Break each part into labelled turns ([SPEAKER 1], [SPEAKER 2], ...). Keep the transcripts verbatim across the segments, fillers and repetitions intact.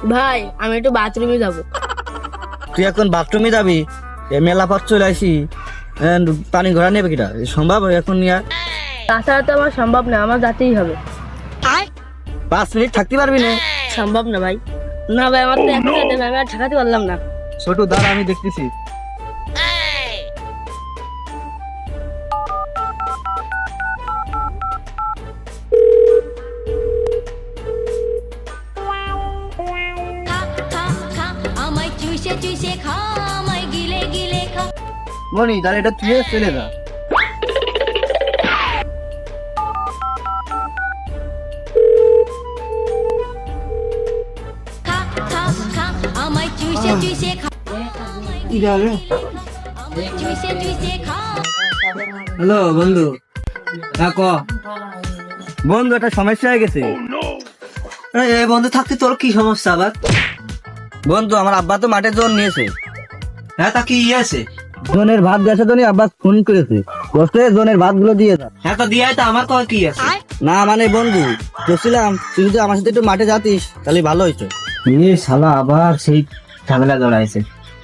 [SPEAKER 1] ভাই আমি একটু বাথরুমে যাব।
[SPEAKER 2] তুই এখন বাথরুমে যাবি? এ মেলা পথ চলে আসি, পানি ঘোরা নেবে কিটা? সম্ভব এখন নিয়ে?
[SPEAKER 1] তাছাড়া তো আমার সম্ভব না, আমার যেতেই হবে।
[SPEAKER 2] পাঁচ মিনিট থাকতে পারবি না?
[SPEAKER 1] সম্ভব না ভাই। না ভাই আমার তো এখন যেতে হবে, আমি আর ঠেকাতে পারলাম না।
[SPEAKER 2] ছোট দাঁড়া, আমি দেখতেছি।
[SPEAKER 3] আমায় চুষে চুষে খা আমায় গিলে গিলে খা।
[SPEAKER 2] মনি তাহলে এটা তুই চলে যা।
[SPEAKER 3] খা খা খা আমায় চুষে চুষে খা। আমায় চুষে চুষে খা।
[SPEAKER 2] হ্যালো বন্ধু, ক বন্ধু, একটা সমস্যা হয়ে গেছে।
[SPEAKER 4] বন্ধু থাকতে তোর কি সমস্যা আবার?
[SPEAKER 2] বন্ধু আমার আব্বা তো মাঠে জোন নিয়েছে।
[SPEAKER 4] হ্যাঁ, তা কি ইয়ে আছে?
[SPEAKER 2] জোনের ভাত গেছে তো আব্বা ফোন করেছে, বসে জোনের ভাত গুলো দিয়ে যা।
[SPEAKER 4] হ্যাঁ, তো দিয়ে তো আমার কয় কি আছে?
[SPEAKER 2] না মানে বন্ধু বলছিলাম, তুই যদি আমার সাথে একটু মাঠে যাতিস তাহলে ভালো হইতো।
[SPEAKER 4] এ শালা আবার সেই ঝামেলা জড়াইছে।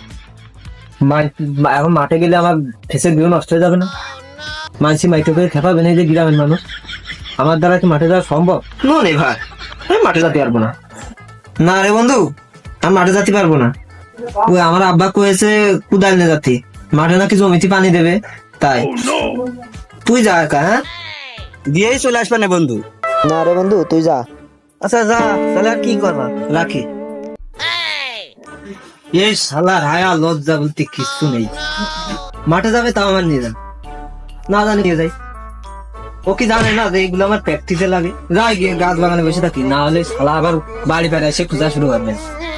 [SPEAKER 4] এখন মাঠে গেলে আমার ফেসের ভিউ নষ্ট হয়ে যাবে না? মানসি মাইটো করে খেপাবে না যে গ্রামের মানুষ। আমার দ্বারা কি মাঠে যাওয়া সম্ভব? নে ভাই, আমি মাঠে যেতে পারবো না। না রে বন্ধু, আমি মাঠে যেতে পারবো না। ওই আমার আব্বা কয়েছে কুদাল নিয়ে যাতি, মাঠে নাকি জমিতে পানি দেবে, তাই তুই যা একা। হ্যাঁ,
[SPEAKER 2] দিয়েই চলে আসবে না বন্ধু।
[SPEAKER 4] না রে বন্ধু, তুই যা।
[SPEAKER 2] আচ্ছা যা, তাহলে আর কি করবা, রাখি।
[SPEAKER 4] এই শালার হায়া লজ্জা বলতে কিছু নেই। মাঠে যাবে তাও আমার নিয়ে যান, না জানি নিয়ে যাই। ও কি জানে না যে এইগুলো আমার প্র্যাকটিসে লাগে? যাই গিয়ে গাছ বাগানে বসে থাকি, না হলে শালা আবার বাড়ি বেড়ে এসে খোঁজা শুরু করবে।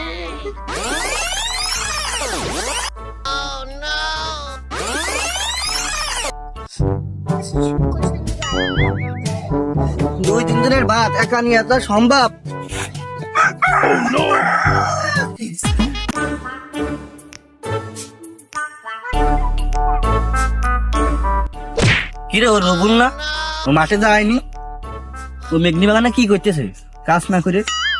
[SPEAKER 2] দুই তিন দিনের ভাত একা নিয়ে আসা সম্ভব? কিরে ও রবুল না? ও মাঠে যায়নি? ও মেঘনি বাগানে কি করতেছে কাজ না করে?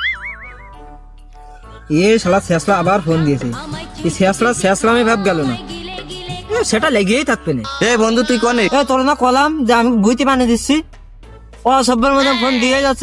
[SPEAKER 4] এ শালা শেষলা আবার ফোন দিয়েছে। এই শেষলা শেষলা আমি ভাব গেল না, এ, সেটা লেগেই থাকবে না।
[SPEAKER 2] এ বন্ধু তুই কনে?
[SPEAKER 4] তোর না কলাম যে আমি বুঝতে পানি দিচ্ছি, ও সব্বার মধ্যে ফোন দিয়ে যাচ্ছে।